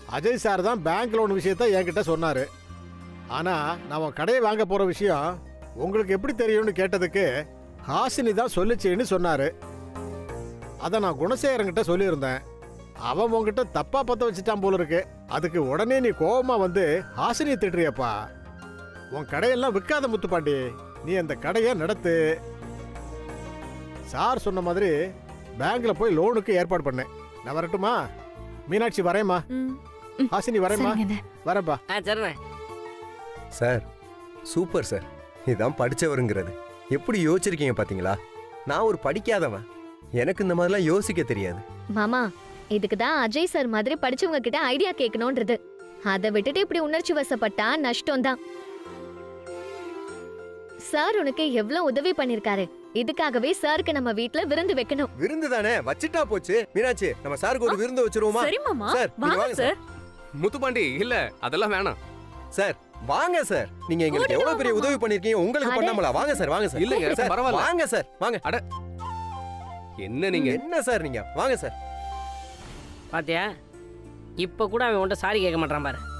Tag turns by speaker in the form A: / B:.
A: Ajay sir தான் bank loan விஷயத்த என்கிட்ட சொன்னாரு. ஆனா நான் உன் கடையை வாங்க போற விஷயம் உங்களுக்கு எப்படி தெரியும்னு கேட்டதுக்கு ஹாசினி தான் சொல்லிச்சேன்னு சொன்னாரு. அதை நான் குணசேகரங்கிட்ட சொல்லியிருந்தேன். அவன் உங்ககிட்ட தப்பா பத்த வச்சுட்டான் போல இருக்கு. அதுக்கு உடனே நீ கோபமா வந்து ஹாசினியை திட்டுறியப்பா. உன் கடையெல்லாம் விற்காத முத்துப்பாண்டி, நீ அந்த கடையை நடத்து. சார் சொன்ன மாதிரி பேங்க்ல போய் லோனுக்கு ஏற்பாடு பண்ணேன். நான் வரட்டுமா? மீனாட்சி வரேம்மா. ஹாசினி வரேம்மா. வரேன்ப்பா.
B: சரிண்ணே.
C: Sir super sir. இதான் படிச்சவருங்கிறது. எப்படி யோசிச்சிருக்கீங்க பாத்தீங்களா? நான் ஒரு படிக்காதவன், எனக்கு இந்த மாதிரிலாம் யோசிக்க தெரியாது.
D: மாமா, இதுக்கு தான் அஜய் சார் மாதிரி படிச்சவங்க கிட்ட ஐடியா கேட்கணும்ன்றது. அதை விட்டுட்டு இப்படி உணர்ச்சி வசப்பட்டா நஷ்டம் தான். சார் உனக்கு எவ்வளவு உதவி பண்ணிருக்காரு. இதுக்காகவே சாருக்கு நம்ம வீட்ல விருந்து வைக்கணும்.
C: விருந்து தானே, வச்சிட்டா போச்சு. மீனாட்சி, நம்ம சாருக்கு ஒரு விருந்து வச்சிருவோமா?
E: சரி மாமா,
C: சார்
E: வாங்க சார்.
F: முத்துப்பாண்டி, இல்ல அதெல்லாம் வேணாம்
C: சார். வாங்க சார், நீங்க எங்களுக்கு எவ்வளவு பெரிய உதவி பண்ணிருக்கீங்க, உங்களுக்கு பண்ணாமல. வாங்க சார், வாங்க சார்.
F: இல்லங்க
C: சார்,
F: பரவாயில்ல.
C: வாங்க சார், வாங்க.
F: அட என்ன நீங்க?
C: என்ன சார் நீங்க? வாங்க சார்.
B: பாத்தியா, இப்ப கூட அவன் உன்ட்ட சாரி கேட்க மாட்டான் பாரு.